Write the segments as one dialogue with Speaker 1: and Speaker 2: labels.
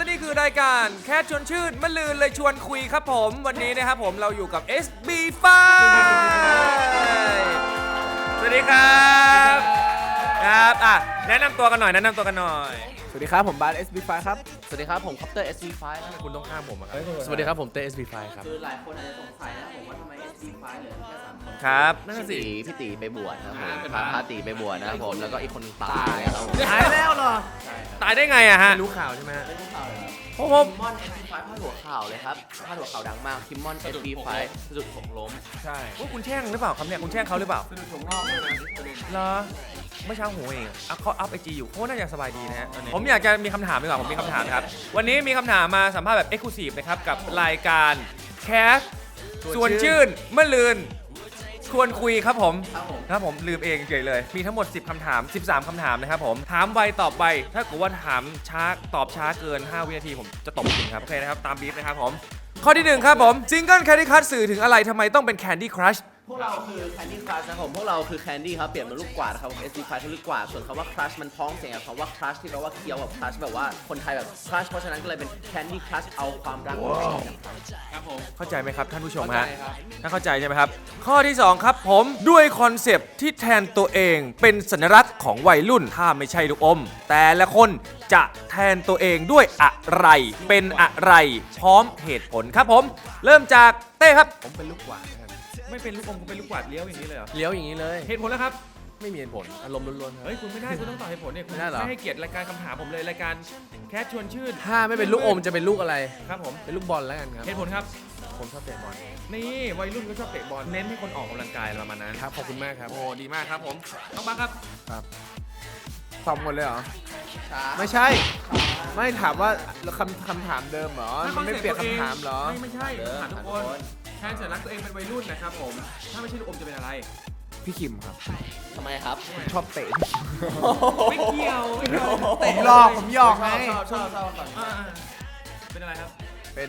Speaker 1: นี่คือรายการแค่ชวนชื่นมะลืนเลยชวนคุยครับผมวันนี้นะครับผมเราอยู่กับ SB5 สวัสดีครับครับแนะนำตัวกันหน่อย
Speaker 2: สวัสดีครับผมบาส SB5 ครับ
Speaker 3: สวัสดีครับผมคอปเตอร์ SV5
Speaker 1: คุณต้องข้ามผมครับ
Speaker 2: สวัสดีครับผมเต้ SB5 ครับ
Speaker 3: คือหลายคนอาจจะสงสัยนะผมว่าทำไม SV5 เหลือแค่3คน
Speaker 1: ครับ
Speaker 3: นั่นสิพี่ตีไปบวชนะครับผมพาตีไปบวชนะครับผมแล้วก็อีกคนตายครับผม
Speaker 2: ตายแล้วเหรอ
Speaker 1: ตายได้ไงอะฮะ
Speaker 2: รู้ข่าวใช่ไหมฮะ
Speaker 3: ไม่รู้ข่าวเลยครับ
Speaker 1: ผม
Speaker 3: คิมมอน SV5 พาดหัวข่าวเลยครับพาดหัวข่าวดังมากคิมมอน SV5 สะดุดหกล้ม
Speaker 2: ใช่
Speaker 1: ว่าคุณแช่งหรือเปล่าครับเนี่ยคุณแช่งเขาหรือเปล่า
Speaker 2: สะดุดถั่วงอกเลยนะ
Speaker 1: เหรอเมื่อเช้าหูเองเขาอัพไอจีอยู่เขาน่าจะสบายดีนะฮะผมอยากจะมีคำถามดีกว่าผมมีคำถามครับวันนี้มีคำถามมาสัมภาษณ์แบบเอ็กซ์คลูซีฟนะครับกับรายการแคสชวนชื่นเมื่อลืนชวนคุยครับผม
Speaker 3: ครับผม
Speaker 1: ครับผมลืมเองเฉยเลยมีทั้งหมด10คำถาม13คำถามนะครับผมถามไวตอบไวถ้าเกิดว่าถามช้าตอบช้าเกิน5 วินาทีผมจะตบคุณครับโอเคนะครับตามบีฟนะครับผมข้อที่1ครับผมซิงเกิลแคนดี้คัทสื่อถึงอะไรทำไมต้องเป็นแคนดี้ครัช
Speaker 3: พวกเราคือ Candy Crush นะครับผมพวกเราคือ Candy ครับเปลี่ยนเป็นลูกกวาดนะครับผม SV5 คือลูกกวาดส่วนคำว่า Crush มันพ้องเสียงกับคำว่า Crush ที่แปลว่าเคี้ยวแบบ Crush แบบว่าคนไทยแบบ Crush เพราะฉะนั้นก็เลยเป็น Candy Crush เอาความรักมาให้กับครับผม
Speaker 1: เข้าใจไหมครับท่านผู้ชม
Speaker 3: เข้า
Speaker 1: ฮะ
Speaker 3: ใจครับ
Speaker 1: ถ้าเข้าใจใช่ไหมครับ ข้อที่ 2 ครับผมด้วยคอนเซปต์ที่แทนตัวเองเป็นสัญลักษณ์ของวัยรุ่นถ้าไม่ใช่ลูกอม แต่ละคนจะแทนตัวเองด้วยอะไรเป็นอะไรพร้อมเหตุผลครับผม เริ่มจากเต้ครับ
Speaker 2: ผมเป็นลูกหวานครับ
Speaker 1: ไม่เป็นลูกอมคุณเป็นลูกกวาดเลี้ยวอย่างนี้เลยเหรอ
Speaker 2: เลี้ยวอย่างนี้เลย
Speaker 1: เหตุผลแล้วครับ
Speaker 2: ไม่มีเหตุผล อารมณ์ล้วนๆครับ
Speaker 1: เฮ้ยคุณไม่ได้คุณต้องตอบเหตุผลเนี่ยคุณ
Speaker 2: ไม่ได้เหรอ
Speaker 1: ไม่ให้เกียรติรายการคำถามผมเลยรายการแคสชวนชื่น
Speaker 2: ถ้าไม่เป็นลูกอมจะเป็นลูกอะไร
Speaker 1: ครับผม
Speaker 2: เป็นลูกบอลแล้วกันครับ
Speaker 1: เหตุผลครับ
Speaker 2: ผมชอบเตะบอล
Speaker 1: นี่วัยรุ่นก็ชอบเตะบอลเน้นให้คนออกกำลังกายอะไรประมาณนั้น
Speaker 2: ครับ ขอบคุณมากครับ
Speaker 1: โอ้ดีมากครับผมต้องบังครับ
Speaker 2: ตอบหมดเลยเหรอ
Speaker 3: ช้า
Speaker 2: ไม่ใช่ ไม่ถามว่าคำถามเดิมเหรอ มันไม่เปลี่ยนคำถามเหรอ
Speaker 1: ไม่ใช่ถามทุกคนแทนสัญลักษณ์ตัวเองเป็นวัยรุ่นนะครับผมถ้าไม่ใช่ลูกอมจะเป็นอะไร
Speaker 2: พี่คิมครับ
Speaker 3: ทำไมครับ
Speaker 2: ชอบเตะ
Speaker 1: ไม่เกี่ยวไม่เกี่ยว
Speaker 2: ผมหยอกผมหยอกไง
Speaker 3: ชอบก่อน
Speaker 1: อ่าเป็นอะไรครับ
Speaker 2: เป็น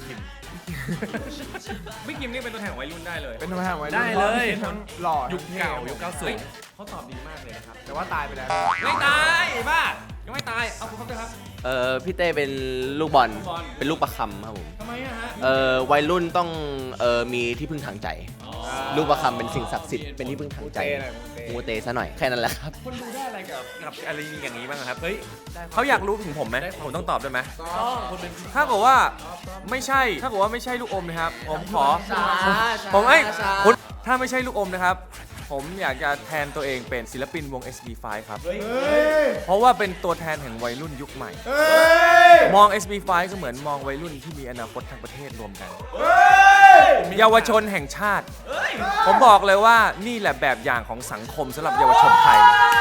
Speaker 1: ไม่กิมนี่เป็นตัวแทนของวัยรุ่นได้เลย
Speaker 2: เป็นทำไมวัยรุ่น
Speaker 1: ได้เลย
Speaker 2: ทั้งหล่อ
Speaker 1: ยุคเก่ายุค
Speaker 2: เฮ้
Speaker 1: 90เขาตอบดีมากเลยนะครับ
Speaker 2: แต่ว่าตายไปแล้ว
Speaker 1: ไม่ตายบ้ายังไม่ตายเอาคุณครับด้วยครับ
Speaker 3: พี่เต้เป็นลูกบอล
Speaker 1: ลูกบอล
Speaker 3: เป็นลูกประคำครับผม
Speaker 1: ทำไมอะฮะ
Speaker 3: วัยรุ่นต้องมีที่พึ่งทางใจ ลูกประคำเป็นสิ่งศักดิ์สิทธิ์เป็นที่พึ่งทางใจมูเตซะหน่อยแค่นั้นแหละครับ
Speaker 1: คนดูได้อะไรกับอะไรอย่างนี้บ้างครับเฮ้ยเขาอยากรู้ถึงผมไหมผมต้องตอบด้วยไหม
Speaker 2: คนเป็น
Speaker 1: ถ้าเกิดว่าไม่ใช่ถ้าเกิดว่าไม่ใช่ลูกอมนะครับผมขอ
Speaker 3: ช้า
Speaker 1: ผมไอ้
Speaker 3: ช้า
Speaker 1: คุณถ้าไม่ใช่ลูกอมนะครับ ผมอยากจะแทนตัวเองเป็นศิลปินวง SB5 ครับ เพราะว่าเป็นตัวแทนแห่งวัยรุ่นยุคใหม่ มอง SB5 ก็เหมือนมองวัยรุ่นที่มีอนาคตทั้งประเทศรวมกัน เยาวชนแห่งชาติ ผมบอกเลยว่านี่แหละแบบอย่างของสังคมสำหรับเยาวชนไทย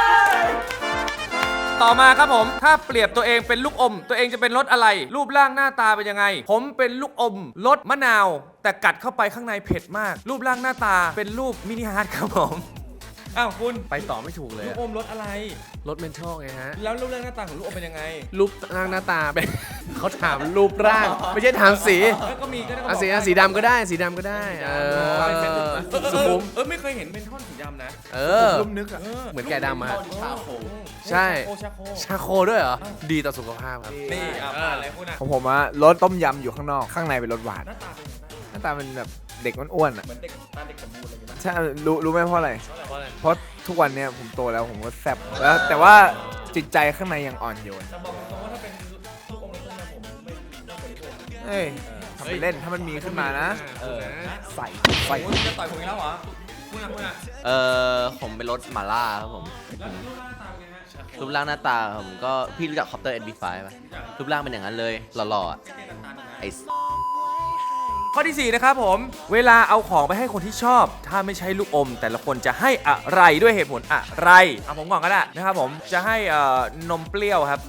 Speaker 1: ต่อมาครับผม ถ้าเปรียบตัวเองเป็นลูกอม ตัวเองจะเป็นรสอะไร รูปร่างหน้าตาเป็นยังไง ผมเป็นลูกอมรสมะนาว แต่กัดเข้าไปข้างในเผ็ดมาก รูปร่างหน้าตาเป็นรูปมินิฮาร์ดครับผม อ้าวคุณ
Speaker 2: ไปต่อไม่ถูกเลย
Speaker 1: ลูก
Speaker 2: อะ
Speaker 1: อมรสอะไร
Speaker 2: รถเมนทัลไงฮะ
Speaker 1: แล้วรูปร่างหน้าตาของลูกอมเป็นยังไง
Speaker 2: รูปร่างหน้าตาเป็น เขาถามรูปร่าง ไม่ใช่ถามสี
Speaker 1: แล้วก็มีก็ได้ก็บ
Speaker 2: อ่ะ
Speaker 1: อก
Speaker 2: สีดำก็ได้สีดำก็ได้สุขุม
Speaker 1: ไม่เคยเห็นเป็นท่อนสีดำนะ
Speaker 2: ลุ่มนึกอะเหมือนแกะดำอะ
Speaker 3: ชาโค
Speaker 2: ใช่
Speaker 1: ชาโค
Speaker 2: ชาโคด้วยเหรอ ดีต่อสุขภาพครับ
Speaker 1: นี่อ่ะอะไรพูดนะ
Speaker 4: ของผมอะรสต้มยำอยู่ข้างนอก ข้างในเป็นรสหวาน
Speaker 1: หน้าตาเป็นยังไง
Speaker 4: หน้าตาเป็นแบบเด็กอ้วนๆอะ
Speaker 1: เหมือนเด็กตาเด็กสมบูรณ์อะไรอย่างเงี้ย
Speaker 4: ใช่รู้ไหมเพราะอะไร
Speaker 1: เพราะอะไร
Speaker 4: เพราะทุกวันเนี้ยผมโตแล้วผมก็แซ่บแล้วแต่ว่าจิตใจข้างในยังอ่อนโยน
Speaker 1: แต่บอกตรงว่าถ้าเป็นลูกอมในต้มยำผมไม่ต้องบริโภค
Speaker 4: เฮ้ยทำไปเล่นถ้ามันมีขึ้นมานะ ใส่ใส่
Speaker 1: คุณจะต่อยผมอีกแล้วเหรอคุณอ่ะ
Speaker 3: ผมเป็นรถหมาล่าครับผม
Speaker 1: แล้วรูปร่างหน้าตาเป็นไงฮะ
Speaker 3: รูปร่างหน้าตาผมก็พี่รู้จักคอปเตอร์ SV5 ป่ะรูปร่างเป็นอย่างนั้นเลยหล่อๆอะไอ้
Speaker 1: ข้อที่ 4 นะครับผม เวลาเอาของไปให้คนที่ชอบ ถ้าไม่ใช่ลูกอม แต่ละคนจะให้อะไรด้วยเหตุผลอะไรเอาผมก่อนก็ได้นะครับผมจะให้นมเปรี้ยวครับ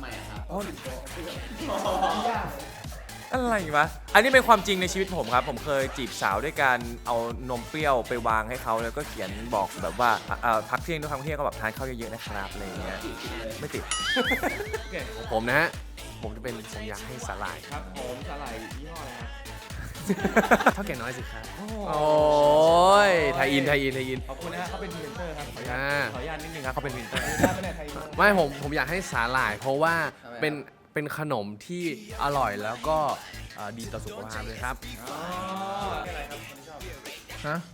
Speaker 1: อะไรวะอันนี้เป็นความจริงในชีวิตผมครับ ผมเคยจีบสาวด้วยการเอานมเปรี้ยวไปวางให้เขาแล้วก็เขียนบอกแบบว่าพักเที่ยงด้วยคำเที่ยงก็แบบทานข้าวเยอะๆนะครับอะไรอย่างเงี้ยไม่ติด
Speaker 2: ของผมนะฮะ ผมอยากให้สาหร่าย
Speaker 1: ครับผมสาหร่ายยี่ห้ออะไรครับ
Speaker 2: เท่าแก่น้อยสิครับ
Speaker 1: โอ้
Speaker 2: โอ้ยไทยอิน
Speaker 1: ขอบคุณนะฮะเขาเป็นพรีเซนเตอร์ครับขออนุญาตนิดนึงครับเขาเป็นพรีเซนเตอร์
Speaker 2: ไม่ผมอยากให้สาหร่าย เพราะว่าเป็น
Speaker 5: เป็นขนมที่อร่อยแล้วก็ดีต่อสุขภาพเลยครับ
Speaker 4: ฮะ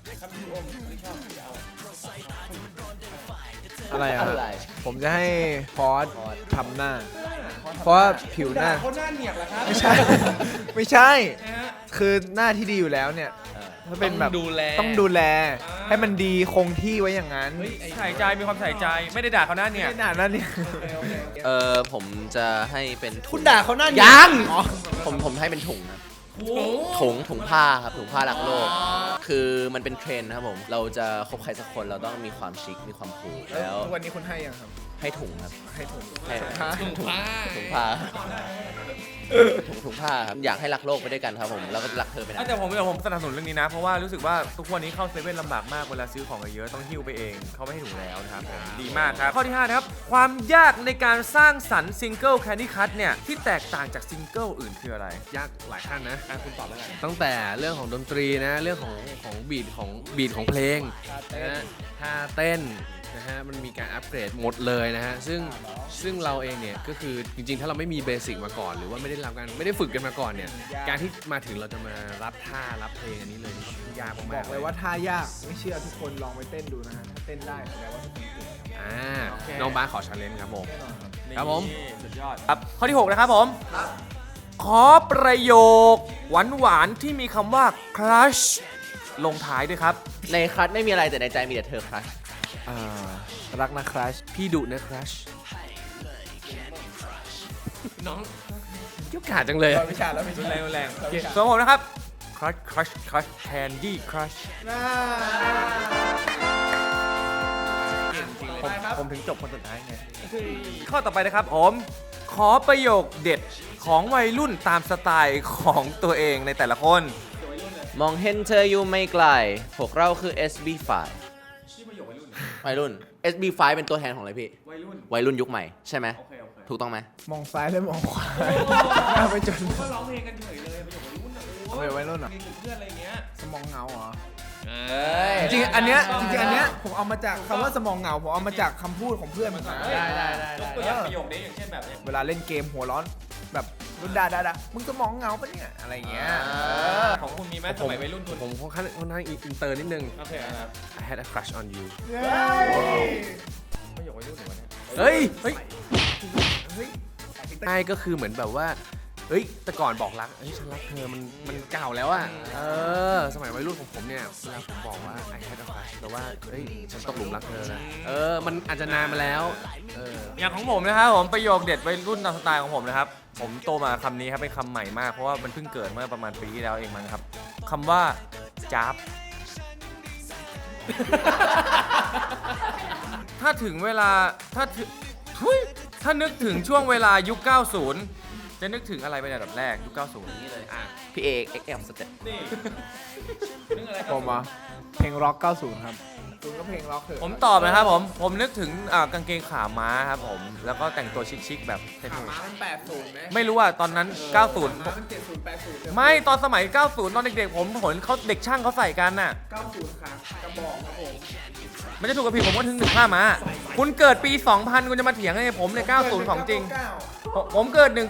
Speaker 4: อะไรอ่ะ
Speaker 3: อะไร
Speaker 4: ผมจะให้พอสทำหน้า เพราะว่าผิวหน้า
Speaker 1: เขาหน้าเหนียกเหรอครับ
Speaker 4: ไม่ใช่ ไม่ใช่ คือหน้าที่ดีอยู่แล้วเนี่ยถ้าเป็นแบบ
Speaker 5: ต้องดูแล
Speaker 4: ต้องดูแล ให้มันดีคงที่ไว้อย่างนั้น
Speaker 1: ใส่ใจมีความใส่ใจไม่ได้ด่าเขาหน้าเนี่ย
Speaker 4: ไม่นานนั่นเนี่ย
Speaker 3: ผมจะให้เป็นถุง
Speaker 4: คุณด่าเขาหน้า
Speaker 3: ยัง
Speaker 4: อ๋อ
Speaker 3: ผมให้เป็นถุงนะถุงผ้าครับถุงผ้ารักโลก คือมันเป็นเทรนด์นะครับผมเราจะคบใครสักคนเราต้องมีความชิคมีความคูลแล้ว
Speaker 4: ทุกวันนี้คุณให้ยังครับ
Speaker 3: ให้ถุงครับ
Speaker 4: ให้ถุง
Speaker 3: ให้
Speaker 4: ถุงผ้า
Speaker 3: ถุงผ้าถุงผ้าครับอยากให้รักโลกไปด้วยกันครับผมแล้วก็รักเธอไปนะ
Speaker 1: แต่ผมสนับสนุนเรื่องนี้นะ เพราะว่ารู้สึกว่าทุกวันนี้เข้าเซเว่นลำบากมากเวลาซื้อของเยอะต้องหิ้วไปเองเขาไม่ให้ถุงแล้วนะครับผมดีมากครับ ข้อที่5นะครับความยากในการสร้างสรรค์ซิงเกิลแคนดี้คัทเนี่ยที่แตกต่างจากซิงเกิลอื่นคืออะไร
Speaker 5: ยากหลายขั้นนะ
Speaker 1: คุณตอบแล้วกัน
Speaker 5: ตั้งแต่เรื่องของดนตรีนะเรื่องของบีทของเพลงนะฮะท่าเต้นนะฮะมันมีการอัปเกรดหมดเลยนะฮะซึ่งเราเองเนี่ยก็คือจริงๆ ถ้าเราไม่มีเบสิกมาก่อน หรือว่าไม่ได้ฝึกกันมาก่อนเนี่ยการที่มาถึงเราจะมารับท่ารับเพลงอันนี้เลยนี่ยาก
Speaker 4: บ
Speaker 5: มา
Speaker 4: อก กเลยว่าท่ายาก ไม่เชื่อทุกคนลองไปเต้นดูนะฮะ ถ้าเต้นได้แสดงว่าทุกคนเก่ง
Speaker 5: น้องบ้าสขอชาเลนจ์ครับผม ครับผม
Speaker 1: สุดยอดครับข้อที่ 6 นะครับผมขอประโยคหวานๆที่มีคำว่า crush ลงท้ายด้วยครับ
Speaker 3: ในครัชไม่มีอะไรแต่ในใจมีแต่เธอครัช
Speaker 4: รักนะครัช
Speaker 5: พี่ดุนะครัชน้องยุกขาดจังเลย
Speaker 4: วิชาแล้วไม่ใช่
Speaker 1: แรงส่วนผมนะครับ crush candy crush ผมถึงจบคนสุดท้ายไงข้อต่อไปนะครับผมขอประโยคเด็ดของวัยรุ่นตามสไตล์ของตัวเองในแต่ละคน
Speaker 3: มองเห็นเธออยู่ไม่ไกลพวกเราคือ SB5 วัยรุ่น SB5 เป็นตัวแทนของอะไรพี่ วัยรุ่นยุคใหม่ใช่ไหมถูกต้องไหม
Speaker 4: มองซ้ายและมองขวาเอาไปจน
Speaker 1: ก็ร้องเพลงกันเฉยเลยประโยควัยรุ่น
Speaker 4: เอาไปไว้รุ่นเหรอ
Speaker 1: มีกลุ่มเพื่อนอะไรเงี้ย
Speaker 4: สมองเงาเหรอ
Speaker 3: ย
Speaker 4: จริงๆอันเนี้ยผมเอามาจากคำว่าสมองเหงาผมเอามาจากคำพูดของเพื่อนมันได้
Speaker 1: ยกตัวอย่างประโยคนี้อย่างเช่นแบบเนี้ย
Speaker 4: เวลาเล่นเกมหัวร้อนแบบรุ่นด่ามึงสมองเหงาปะเนี่ยอะไรอย่างเงี้ย
Speaker 1: ของคุณมีไหมสมัยวัยรุ่นคุณ
Speaker 5: ผมค่อนข้างอินเตอร์นิดนึง
Speaker 1: โอเคครับ
Speaker 5: I had a crush on you
Speaker 1: ประโยควัยรุ่นหรือวะเนี่ย
Speaker 5: เฮ้ยใช่ก็คือเหมือนแบบว่า เฮ้ย แต่ก่อนบอกรัก เฮ้ย ฉันรักเธอ มันเก่าแล้วอะสมัยวัยรุ่นของผมเนี่ย เวลาผมบอกว่า I had a crush แต่ว่า เฮ้ย ฉันตกหลุมรักเธอนะมันอาจจะนานมาแล้ว
Speaker 1: อย่างของผมนะครับผมประโยคเด็ดวัยรุ่นตามสไตล์ของผมนะครับผมโตมาคำนี้ครับเป็นคำใหม่มากเพราะว่ามันเพิ่งเกิดเมื่อประมาณปีที่แล้วเองมั้งครับคำว่าจ๊าบ ถ้าถึงเวลาถ้านึกถึงช่วงเวลายุค 90 จะนึกถึงอะไรเป็นอันดับแรกยุค 90 นี่เลยอ่ะ
Speaker 3: พี่เอก XL สเต็ป
Speaker 1: นี่นึกอะไร
Speaker 4: ผมอ่ะเพลงร็อก 90 ครับคุณก็เพลงร็อกเถอะ
Speaker 1: ผมตอบนะครับผมนึกถึงกางเกงขาม้าครับผมแล้วก็แต่งตัวชิคๆแบบเท่
Speaker 4: ขาม้ามัน 80ไหม
Speaker 1: ๆไม่รู้ว่าตอนนั้น 90
Speaker 4: ขาม้ามัน 70 80
Speaker 1: ไม่ตอนสมัย 90 ตอนเด็กๆผมเห็นเขาเด็กช่างเขาใส่กันน่ะ
Speaker 4: 90ครับกระบอกครับผม
Speaker 1: มันจะถูกกับผิดผมก็ถึง1 5 มา คุณเกิดปี 2000 คุณจะมาเถียงไงผมในย90 ของจริง ผมเกิด 19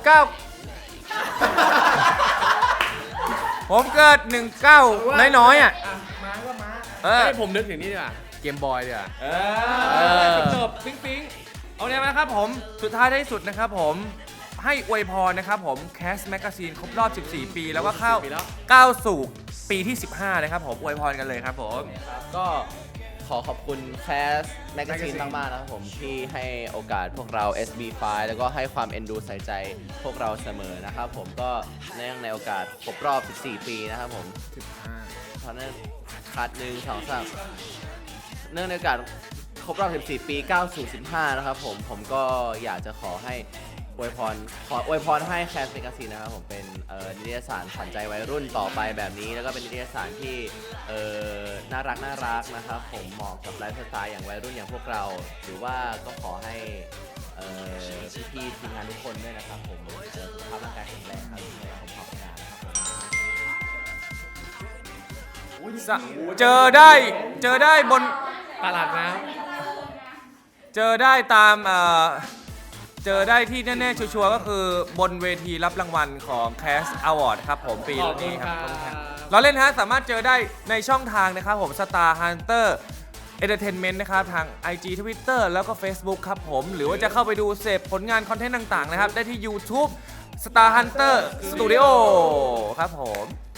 Speaker 1: ผมเกิด 19 น้อยๆอ่ะ
Speaker 4: ม้าก็ม้า
Speaker 5: ให้ผมนึกถึงนี่ดีกว่าเกมบอยดีกว่า
Speaker 1: จบปิ๊งปิ๊งเอาเนี่ยนะครับผมสุดท้ายท้ายสุดนะครับผมให้อวยพรนะครับผมแคสแมกกาซีนครบรอบ 14 ปีแล้วก็ก้าวสู่ปีที่ 15 นะครับผมอวยพรกันเลยครับผม
Speaker 3: ก็ขอขอบคุณแคสแมกกาซีนมากๆนะครับผมที่ให้โอกาสพวกเรา SB5 แล้วก็ให้ความเอ็นดูใส่ใจพวกเราเสมอนะครับผมก็เนื่องในโอกาสครบรอบ 14 ปีนะครับผมเพราะนั้นคัด1 2 3เนื่องในโอกาสครบรอบ 14 ปีก้าวสู่ 15 นะครับผมก็อยากจะขอให้อวยพรให้แคสแมกกาซีนนะครับผมเป็นนิตยสารขวัญใจวัยรุ่นต่อไปแบบนี้แล้วก็เป็นนิตยสารที่น่ารักนะครับผมเหมาะกับไลฟ์สไตล์อย่างวัยรุ่นอย่างพวกเรา หรือว่าก็ขอให้พี่ๆทีมงานทุกคนด้วยนะครับผมสุขภาพร่างกายแข็งแรงครับในผมขอบคุณนะครับผม
Speaker 1: เจอได้บน
Speaker 5: ตลาดน้
Speaker 1: เจอได้ตามเจอได้ที่แน่ๆชัวร์ๆก็คือบนเวทีรับรางวัลของ Cast Award ครับผมปีนี้ครับเราเล่นฮะสามารถเจอได้ในช่องทางนะครับผม Star Hunter Entertainment นะครับทาง IG Twitter แล้วก็ Facebook ครับผมหรือว่าจะเข้าไปดูเสพผลงานคอนเทนต์ต่างๆนะครับได้ที่ YouTube Star Hunter Studio ครับผม